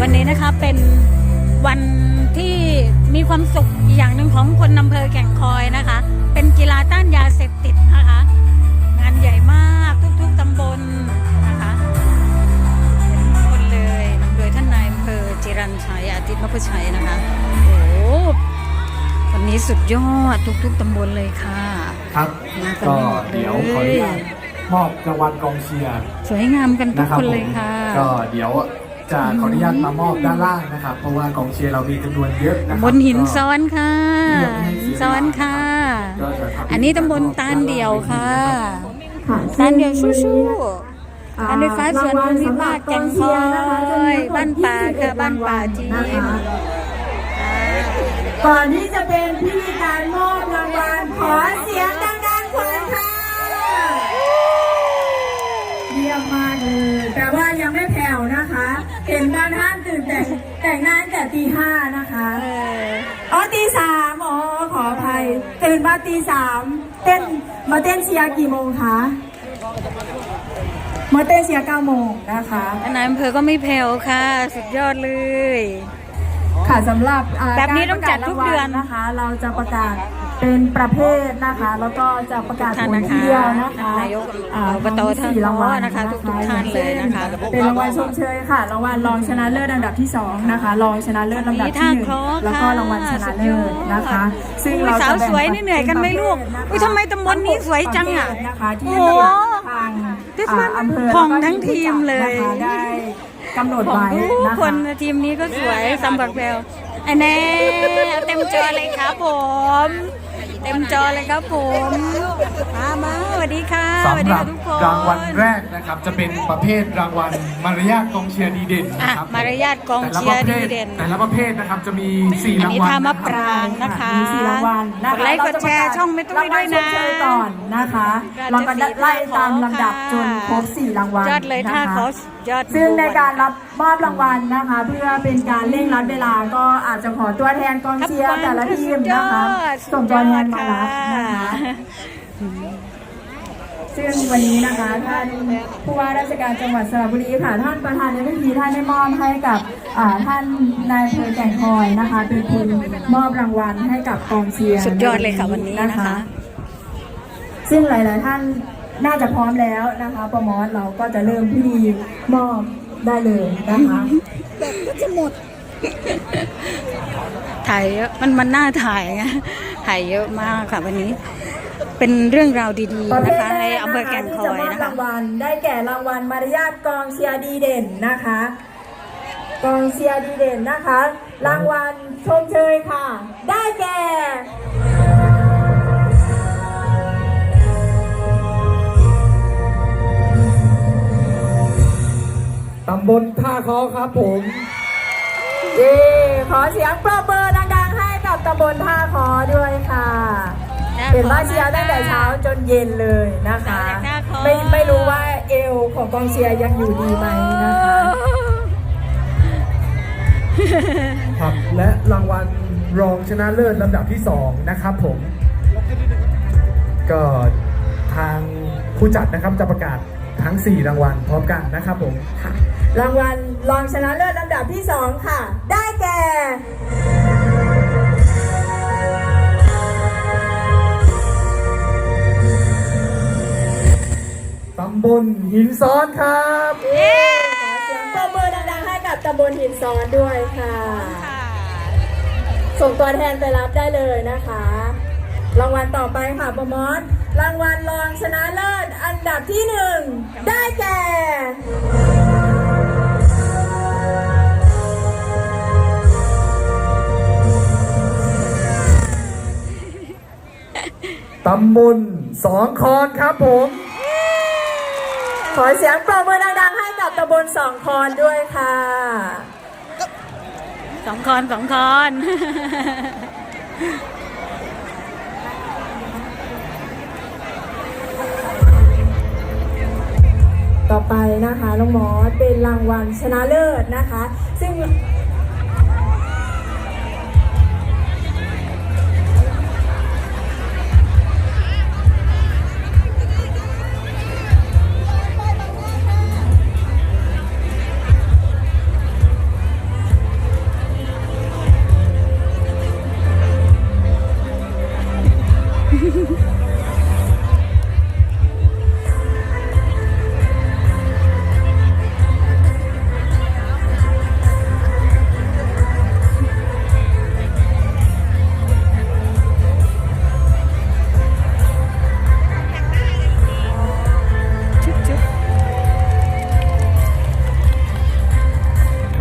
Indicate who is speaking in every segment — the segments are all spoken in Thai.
Speaker 1: วันนี้นะคะเป็นวันที่มีความสุขอีกอย่างหนึ่งของคนอำเภอแก่งคอยนะคะเป็นกีฬาต้านยาเสพติดนะคะงานใหญ่มากทุกๆตำบลนะคะคนเลยนำโดยท่านนายอำเภอจิรัญชัยอาทิตย์นพชัยนะคะโอ้วันนี้สุดยอดทุกๆตำบลเลยค่ะ
Speaker 2: ครับก็เดี๋ยวขออนุญาตมอบรางวัลกองเชียร์
Speaker 1: สวยงามกันทุกคนเลยค่ะ
Speaker 2: ก็เดี๋ยวจะขออนุญาตมามอบด้านล่างนะครับเพราะว่ากองเชียร์เรามีจำนวนเยอะนะครับ
Speaker 1: บนหินซ้อนค่ะซ้อนค่ะอันนี้ตำบลตาลเดี่ยวค่ะตาลเดี่ยวชู้ๆอันนี้ฟ้าสวนวิภาคแก่งคอยบ้านป่าค่ะบ้านป่าจีน
Speaker 3: ก่อนที่จะเป็นพิธีการมอบรางวัลขอเสียงดังๆคนค่ะเยี่ยมมากเลยแต่ว่ายังไม่แผ่วนะคะเห็นบางท่านตื่นแต่งหน้าแต่ตี 5นะคะตี 3ขออภัยตื่นมาตี 3มาเต้นเชียร์กี่โมงคะมาเต้นเชียร์ 9 โมงนะคะ
Speaker 1: นายอำเภอก็ไม่แผ่วค่ะสุดยอดเลย
Speaker 3: ค่ะสำหรับ
Speaker 1: แบบนี้ต้องจัดทุกเดือน
Speaker 3: นะคะเราจะประกาศเป็นประเภทนะคะแล้วก็จะประกาศผลทีเดียวนะคะ
Speaker 1: นายกอบตท่านนะคะทุกท่านเลยนะคะ
Speaker 3: เป็นรางวัลชมเชยค่ะรางวัลรองชนะเลิศลำดับที่2นะคะรองชนะเลิศลำดับที่1แล้วก็รางวัลชนะเลิศนะคะ
Speaker 1: ซึ่งเราสาวสวยนี่เหนื่อยกันไหมลูกอุ้ยทำไมตำบลนี้สวยจังอ่ะโอ้โห
Speaker 3: อำเภอ
Speaker 1: พองทั้งทีมเลย
Speaker 3: ได้กำหนดไว้นะคะ
Speaker 1: คนทีมนี้ก็สวยสำหรับแววอันนี้เต็มจอเลยครับผมเต็มจอเลยครับผมมาสวัสดีค่ะ
Speaker 2: สำหรับรางวัลแรกนะครับจะเป็นประเภทรางวัลมารยาทกองเชียร์ดีเด่นนะครับ
Speaker 1: มารยาทกองเชียร์ดีเด่น
Speaker 2: แต่ละประเภทนะครับจะมี4 รางวัล
Speaker 1: ท่ามะปรางนะคะ
Speaker 3: มี4 รางวัล
Speaker 1: กดไลค์กดแชร์ช่องไม่ต้องไม่ด้วยนะ
Speaker 3: ก่อนนะคะเราก็ไล่ตามลำดับจนครบ4 รางวัล
Speaker 1: ยอดเลยท่าเขายอด
Speaker 3: ซึ่งในการรับมอบรางวัลนะคะเพื่อเป็นการเร่งรัดเวลาก็อาจจะขอตัวแทนกองเชียร์แต่ละทีมนะคะส่งตัวแทนมารับนะคะซึ่งวันนี้นะคะท่านผู้ว่าราชการจังหวัดสระบุรีค่ะท่านประธานในพิธีท่านได้มอบให้กับท่านนายอำเภอแก่งคอยนะคะเป็นคนมอบรางวัลให้กับกองเชียร์
Speaker 1: สุดยอดเลยค่ะวันนี้นะคะ
Speaker 3: ซึ่งหลายๆท่านน่าจะพร้อมแล้วนะคะประมอสเราก็จะเริ่มพิธีมอบได้เลยนะคะ
Speaker 1: แบบก็จะหมดถ่ายเยอะมันน่าถ่ายไงถ่ายเยอะมากค่ะวันนี้เป็นเรื่องราวดีๆนะคะในอำเภอแก่งคอยนะคะ
Speaker 3: รางวัลได้แก่รางวัลมารยาทกองเชียร์ดีเด่นนะคะกองเชียร์ดีเด่นนะคะรางวัลชมเชยค่ะได้แก่
Speaker 2: ตำบลท่าคอครับผม
Speaker 3: ขอเสียงปรบมือดังๆให้กับตำบลท่าคอด้วยค่ะเป็นว่าเชียร์ตั้งแต่เช้าจนเย็นเลยนะคะไม่รู้ว่าเอวของกองเชียร์ยังอยู่ดีไหมนะคะ
Speaker 2: ครับและรางวัลรองชนะเลิศลำดับที่2นะครับผมก็ทางผู้จัดนะครับจะประกาศทั้ง4 รางวัลพร้อมกันนะครับผม
Speaker 3: รางวัลรองชนะเลิศลำดับที่2ค่ะได้แก่
Speaker 2: ตำบลหินซ้อนครับ
Speaker 3: ขอเสียงปรบมือดังๆให้กับตำบลหินซ้อนด้วยค่ะส่งตัวแทนไปรับได้เลยนะคะรางวัลต่อไปค่ะประมอสรางวัลรองชนะเลิศอันดับที่1ได้แก่
Speaker 2: ตำบลสองคอนครับผม
Speaker 3: ขอเสียงปรบมือดังๆให้กับตำบลสองคอนด้วยค่ะ
Speaker 1: สองคอน
Speaker 3: ต่อไปนะคะน้องหมอเป็นรางวัลชนะเลิศนะคะซึ่ง ค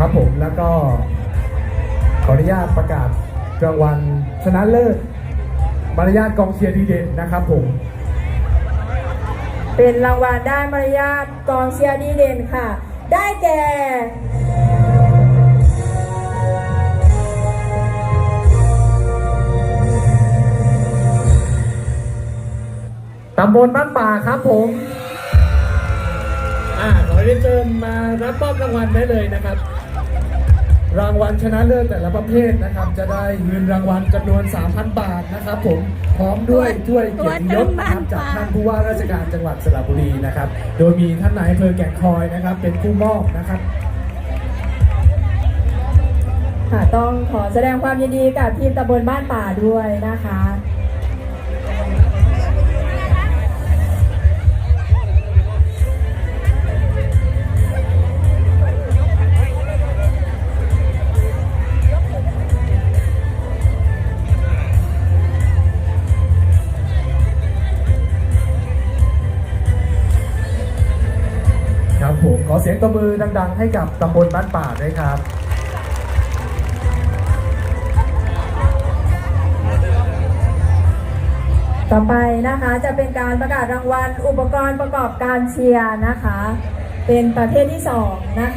Speaker 2: ครับผมแล้วก็ขออนุญาตประกาศรางวัลชนะเลิศมารยาทกองเชียร์ดีเด่นนะครับผม
Speaker 3: เป็นรางวัลด้านมารยาทกองเชียร์ดีเด่นค่ะ ได้แก่
Speaker 2: ตำบลบ้านป่าครับผมขอเรียนเชิญมารับมอบรางวัลได้เลยนะครับ รางวัลชนะเลิศแต่ละประเภทนะครับ จะได้เงินรางวัลจำนวน 3,000 บาทนะครับผมพร้อมด้วยถ้วยเกียรติยศนะครับจากท่านผู้ว่าราชการจังหวัดสระบุรีนะครับ โดยมีท่านนายอำเภอแก่งคอยนะครับ เป็นผู้มอบนะครับ
Speaker 3: ค่ะต้องขอแสดงความยินดีกับทีมตำบลบ้านป่าด้วยนะคะ
Speaker 2: ครับผมขอเสียงตบมือดังๆให้กับตำบลบ้านป่าด้วยครับ
Speaker 3: ต่อไปนะคะจะเป็นการประกาศรางวัลอุปกรณ์ประกอบการเชียร์นะคะ เป็นประเภทที่2นะคะ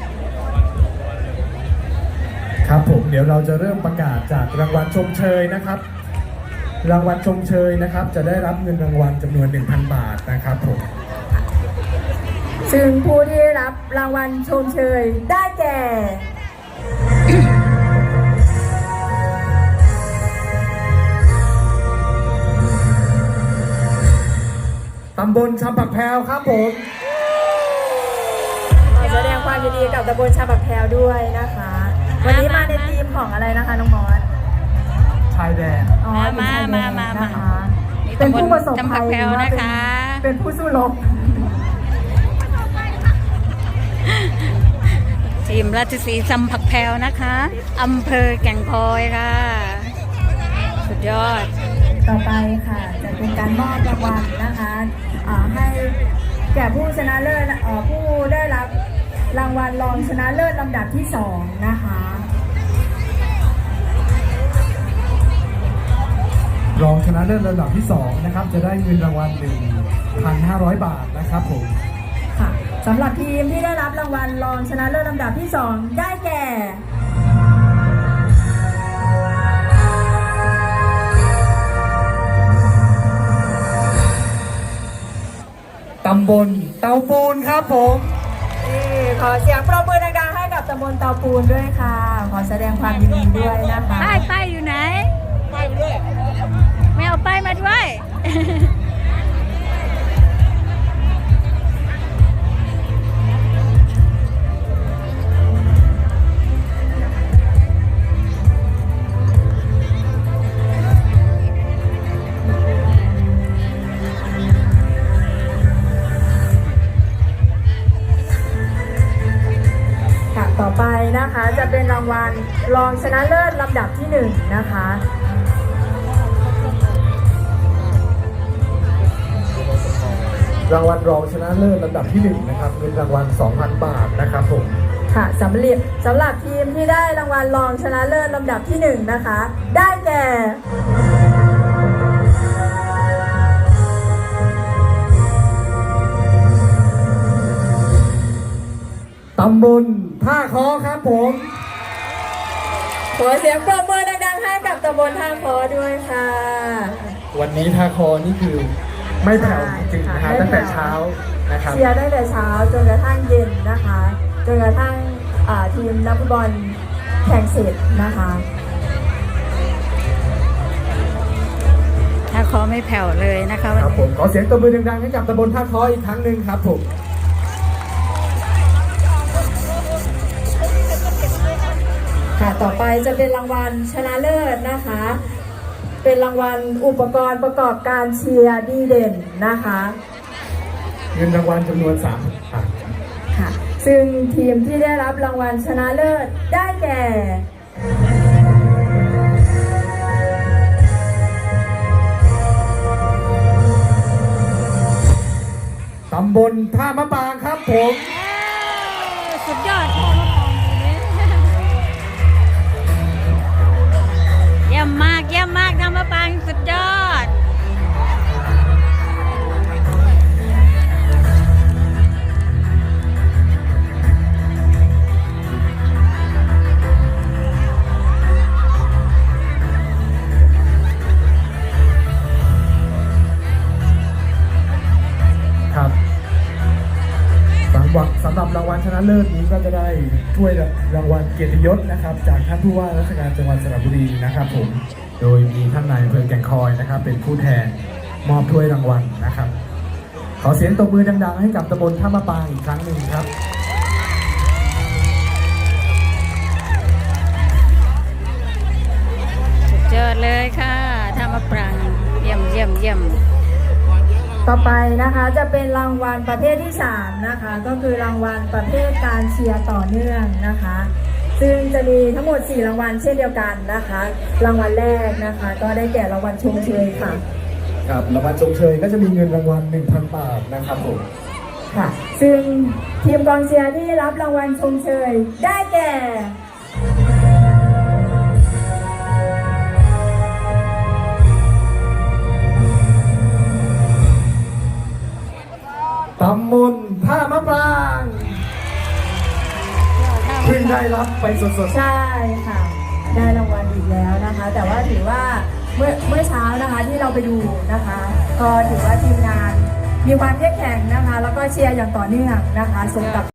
Speaker 2: ครับผมเดี๋ยวเราจะเริ่มประกาศจากรางวัลชมเชยนะครับ รางวัลชมเชยนะครับ จะได้รับเงินรางวัลจำนวน 1,000 บาทนะครับผม
Speaker 3: ซึ่งผู้ที่ได้รับรางวัลชมเชยได้แก่
Speaker 2: ตำบลชำปักแพรวครับผม
Speaker 3: ขอแสดงความยินดีกับตำบลชาบักแพรวด้วยนะคะ วันนี้มาในทีมของอะไรนะคะน้องมอส
Speaker 2: ชายแดน
Speaker 3: อ๋อเป็นชายแดนนะคะ
Speaker 1: นี่
Speaker 3: เป็น
Speaker 1: ตำบล
Speaker 3: ผู้ประสบ
Speaker 1: จำปั
Speaker 3: ภั
Speaker 1: ก
Speaker 3: ย
Speaker 1: แพรว
Speaker 3: หรือว่า
Speaker 1: นะคะ
Speaker 3: เป็นผู้สู้รบ
Speaker 1: ทีมราชสีห์จำผักแพรวนะคะอำเภอแก่งคอยค่ะ สุดยอด
Speaker 3: ต่อไปค่ะจะเป็นการมอบรางวัลนะคะให้แก่ผู้ชนะเลิศผู้ได้รับรางวัลรองชนะเลิศลำดับที่2นะคะ
Speaker 2: รองชนะเลิศระดับที่2นะครับจะได้เงินรางวัล 1,500 บาทนะครับผม
Speaker 3: ค่ะสำหรับทีมที่ได้รับรางวัลรองชนะเลิศลำดับที่2ได้แก่
Speaker 2: ตำบลเตาปูนครับผม
Speaker 3: ขอเสียงปรบมือดังๆให้กับตำบลเตาปูนด้วยค่ะ ขอแสดงความยินดีด้วยนะคะ
Speaker 1: ป้ายอยู่ไหน ป้ายมาด้วย ไม่เอาป้ายมาด้วย
Speaker 3: ค่ะต่อไปนะคะจะเป็นรางวัลรองชนะเลิศลำดับที่1นะคะ
Speaker 2: รางวัลรองชนะเลิศลำดับที่1นะครับเงินรางวัล 2,000 บาทนะครับผม
Speaker 3: ค่ะสำหรับทีมที่ได้รางวัลรองชนะเลิศลำดับที่1นะคะ ได้แก่
Speaker 2: ตำบลท่าคอครับผม
Speaker 3: ขอเสียงปรบมือดังๆให้กับตำบลท่าคอด้วยค่ะ
Speaker 2: วันนี้ท่าคอนี่คือไม่แผ่วจริงๆนะฮะตั้งแต่เช้านะครับ
Speaker 3: เชียร์ได้แต่เช้าจนกระทั่งเย็นนะคะจนกระทั่งทีมนักฟุตบอลแข่งเสร็จนะคะ
Speaker 1: ถ้าขอไม่แผ่วเลยนะคะวัน
Speaker 2: ครับผ
Speaker 1: นี้
Speaker 2: มขอเสียงตบมือดังๆให้กับตำบลท่าคออีกครั้งหนึ่งครับผม
Speaker 3: ค่ะต่อไปจะเป็นรางวัลชนะเลิศนะคะ เป็นรางวัลอุปกรณ์ประกอบการเชียร์ดีเด่นนะคะ
Speaker 2: เงินรางวัลจำนวน3,000 บาท
Speaker 3: ค่ะซึ่งทีมที่ได้รับรางวัลชนะเลิศได้แก่
Speaker 2: ตำบลท่ามะปางครับผม
Speaker 1: สุดยอดพ่อมาปองอยู่นี่
Speaker 2: เลิศนี้ก็จะได้ถ้วยรางวัลเกียรติยศนะครับจากท่านผู้ว่าราชการจังหวัดสระบุรีนะครับผมโดยมีท่านนายอำเภอแก่งคอยนะครับเป็นผู้แทนมอบถ้วยรางวัลนะครับขอเสียงตบมือดังๆให้กับตำบลท่ามะปางอีกครั้งหนึ่งครับ
Speaker 1: สุดยอดเลยค่ะท่ามะปรางเยี่ยมเยี่ยมเยี่ยม
Speaker 3: ต่อไปนะคะจะเป็นรางวัลประเภทที่3นะคะก็คือรางวัลประเภทการเชียร์ต่อเนื่องนะคะซึ่งจะมีทั้งหมด4รางวัลเช่นเดียวกันนะคะรางวัลแรกนะคะก็ได้แก่รางวัลชมเชยค่ะ
Speaker 2: ครับรางวัลชมเชยก็จะมีเงินรางวัล 1,000 บาทนะครับผม
Speaker 3: ค่ะซึ่งทีมกองเชียร์ที่รับรางวัลชมเชยได้แก่
Speaker 2: ตำบลท่ามะปรางเพิ่งได้รับไปสดๆ
Speaker 3: ใช่ค่ะได้รางวัลอีกแล้วนะคะ แต่ว่าถือว่าเมื่อเช้านะคะที่เราไปดูนะคะก็ถือว่าทีมงานมีความเข้มแข็งนะคะแล้วก็เชียร์อย่างต่อเนื่องนะคะสมกับ